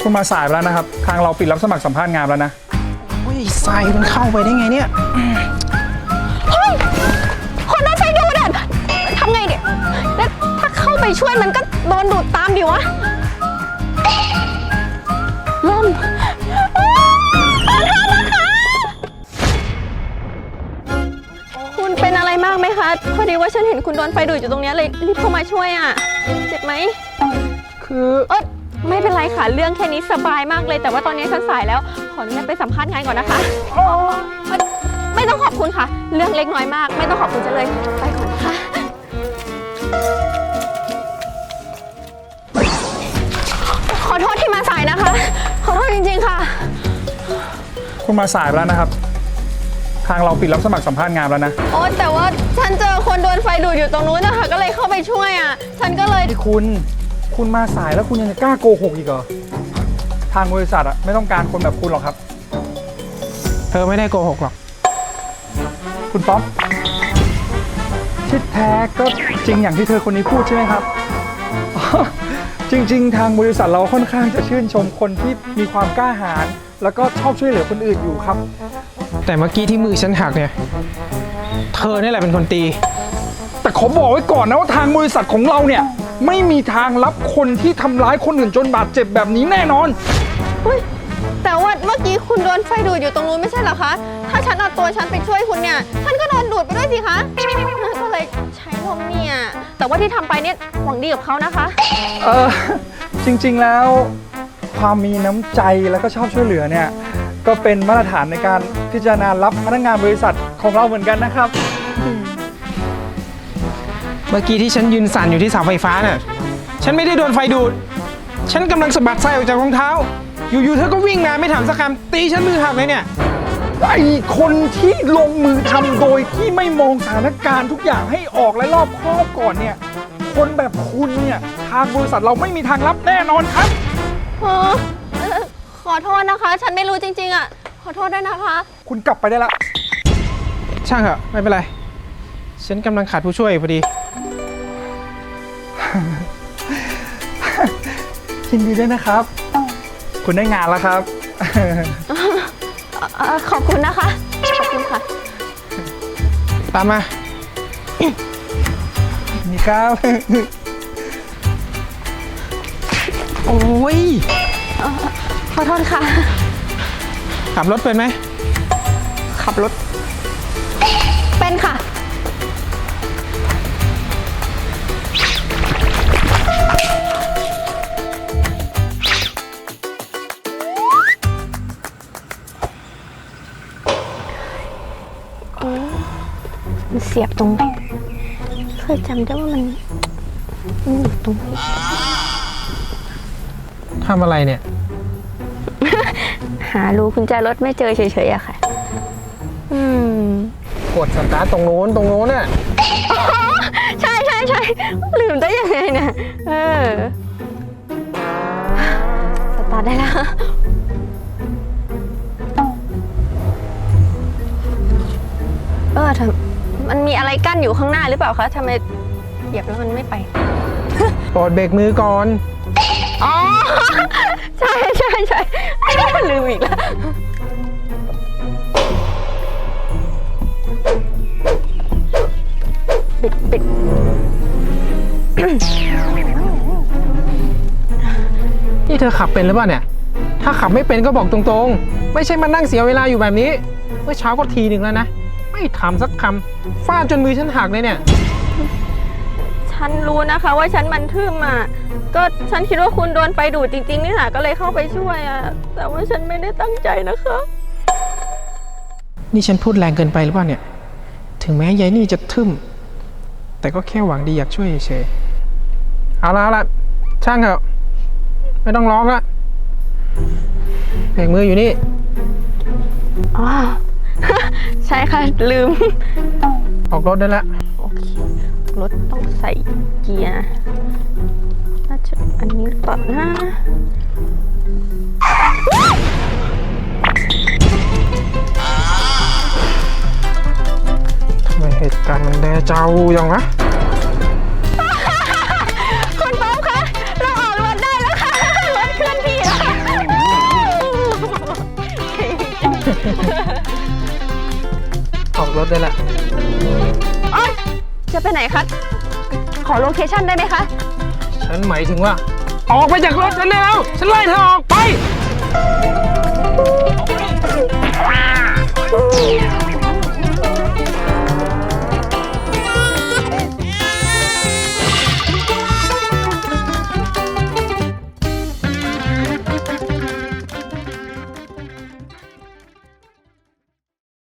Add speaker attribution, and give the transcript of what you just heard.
Speaker 1: คุณมาสายแล้วนะครับทางเราปิดรับสมัครสัมภาษณ์งานแล้วนะ
Speaker 2: โอ้ยทรายมันเข้าไปได้ไงเนี่ย
Speaker 3: เฮ้ยคนนั้นไฟดูดอ่ะทำไงเนี่ยแล้วถ้าเข้าไปช่วยมันก็โดนดูดตามดิวะล่มคุณเป็นอะไรมากไหมคะพอดีว่าฉันเห็นคุณโดนไฟดูดอยู่ตรงนี้เลยรีบเข้ามาช่วยอ่ะเจ็บไหม
Speaker 2: คือ
Speaker 3: ไม่เป็นไรค่ะเรื่องแค่นี้สบายมากเลยแต่ว่าตอนนี้ฉันสายแล้วขออนุญาตไปสัมภาษณ์งานก่อนนะคะไม่ต้องขอบคุณค่ะเรื่องเล็กน้อยมากไม่ต้องขอบคุณจะเลยไปก่อนนะคะขอโทษที่มาสายนะคะขอโทษจริงๆค่ะ
Speaker 1: คุณมาสายแล้วนะครับทางเราปิดรับสมัครสัมภาษณ์งานแล้วนะ
Speaker 3: โอ้แต่ว่าฉันเจอคนโดนไฟดูดอยู่ตรงนู้นนะคะก็เลยเข้าไปช่วยอ่ะฉันก็เลย
Speaker 1: คุณมาสายแล้วคุณยังจะกล้าโกหกอีกเหรอทางบริษัทอะไม่ต้องการคนแบบคุณหรอกครับ
Speaker 2: เธอไม่ได้โกหกหรอก
Speaker 1: คุณป๊อปที่แท้ก็จริงอย่างที่เธอคนนี้พูดใช่ไหมครับจริงๆทางบริษัทเราค่อนข้างจะชื่นชมคนที่มีความกล้าหาญแล้วก็ชอบช่วยเหลือคนอื่นอยู่ครับ
Speaker 2: แต่เมื่อกี้ที่มือฉันหักเนี่ยเธอนี่แหละเป็นคนตี
Speaker 1: แต่ขอบอกไว้ก่อนนะว่าทางบริษัทของเราเนี่ยไม่มีทางรับคนที่ทำร้ายคนอื่นจนบาดเจ็บแบบนี้แน่นอน
Speaker 3: แต่ว่าเมื่อกี้คุณโดนไฟดูดอยู่ตรงนู้นไม่ใช่เหรอคะถ้าฉันเอาตัวฉันไปช่วยคุณเนี่ยฉันก็โดนดูดไปด้วยสิคะก็เลยใช้ลมเนี่ยแต่ว่าที่ทำไปเนี่ยหวังดีกับเขานะคะ
Speaker 1: จริงๆแล้วความมีน้ำใจแล้วก็ชอบช่วยเหลือเนี่ยก็เป็นมาตรฐานในการพิจารณารับพนักงานบริษัทของเราเหมือนกันนะครับ
Speaker 2: เมื่อกี้ที่ฉันยืนสั่นอยู่ที่เสาไฟฟ้าน่ะฉันไม่ได้โดนไฟดูดฉันกำลังสะบัดไส้ออกจากรองเท้าอยู่ๆเธอก็วิ่งมาไม่ถามสักคำตีฉันมือหักเลยเนี่ย
Speaker 1: ไอ้คนที่ลงมือทำโดยที่ไม่มองสถานการณ์ทุกอย่างให้ออกและรอบคอบก่อนเนี่ยคนแบบคุณเนี่ยทางบริษัทเราไม่มีทางรับแน่นอนครับ
Speaker 3: ขอโทษนะคะฉันไม่รู้จริงๆอ่ะขอโทษด้วยนะคะ
Speaker 1: คุณกลับไปได้ละ
Speaker 2: ช่างเถอะไม่เป็นไรฉันกำลังขาดผู้ช่วยพอดี
Speaker 1: ยินดีด้วยนะครับคุณได้งานแล้วครับ
Speaker 3: ขอบคุณนะคะขอบคุณค่ะ
Speaker 2: ตามมา
Speaker 1: นี่ครับ
Speaker 2: โอ้ย
Speaker 3: ขอโทษค่ะ
Speaker 2: ขับรถเป็นไหม
Speaker 3: ขับรถเป็นค่ะมันเสียบตรงไหนเคยจำได้ว่ามันอยู่ตรงนี้
Speaker 2: ทำอะไรเนี่ย
Speaker 3: หารูกุญแจรถไม่เจอเฉยๆอะค่ะ
Speaker 2: กดสตาร์ทตรงโน้นน่ะ
Speaker 3: ใช่ลืมได้ยังไงเนี่ยสตาร์ทได้แล้วมันมีอะไรกั้นอยู่ข้างหน้าหรือเปล่าคะทำไมเหยียบแล้วมันไม่ไป
Speaker 2: ปลดเบรกมือก่อน
Speaker 3: อ๋อใช่ลืมอีกแล้วปิด
Speaker 2: นี่เธอขับเป็นหรือเปล่าเนี่ยถ้าขับไม่เป็นก็บอกตรงๆไม่ใช่มานั่งเสียเวลาอยู่แบบนี้เมื่อเช้าก็ทีหนึ่งแล้วนะไม่ถามสักคำฟาดจนมือฉันหักเลยเนี่ย
Speaker 3: ฉันรู้นะคะว่าฉันมันทึ่มอ่ะก็ฉันคิดว่าคุณโดนไฟดูดจริงๆนี่แหละก็เลยเข้าไปช่วยอ่ะแต่ว่าฉันไม่ได้ตั้งใจนะคะ
Speaker 2: นี่ฉันพูดแรงเกินไปหรือเปล่าเนี่ยถึงแม้ยายนี่จะทึ่มแต่ก็แค่หวังดีอยากช่วยเฉยๆเอาละช่างเถอะไม่ต้องร้องละเบรกมืออยู่นี่
Speaker 3: อ๋อใช่ค่ะลืม
Speaker 2: ออกรถได้แล้ว
Speaker 3: โอเครถต้องใส่เกียร์น่าจะอันนี้หรือเปล่านะ
Speaker 2: ทำไมเหตุการณ์มันแดเจ้าอย่างวะ
Speaker 3: คุณป๊อปคะเราออกรถได้แล้วค่ะรถเคลื่อนที่แล้ว
Speaker 2: ออกรถได้ละ
Speaker 3: อ๋อจะไปไหนคะ ขอโลเคชั่นได้ไหมคะ
Speaker 2: ฉันหมายถึงว่า ออกไปจากรถฉันได้แล้ว ฉันไล่เธอออกไป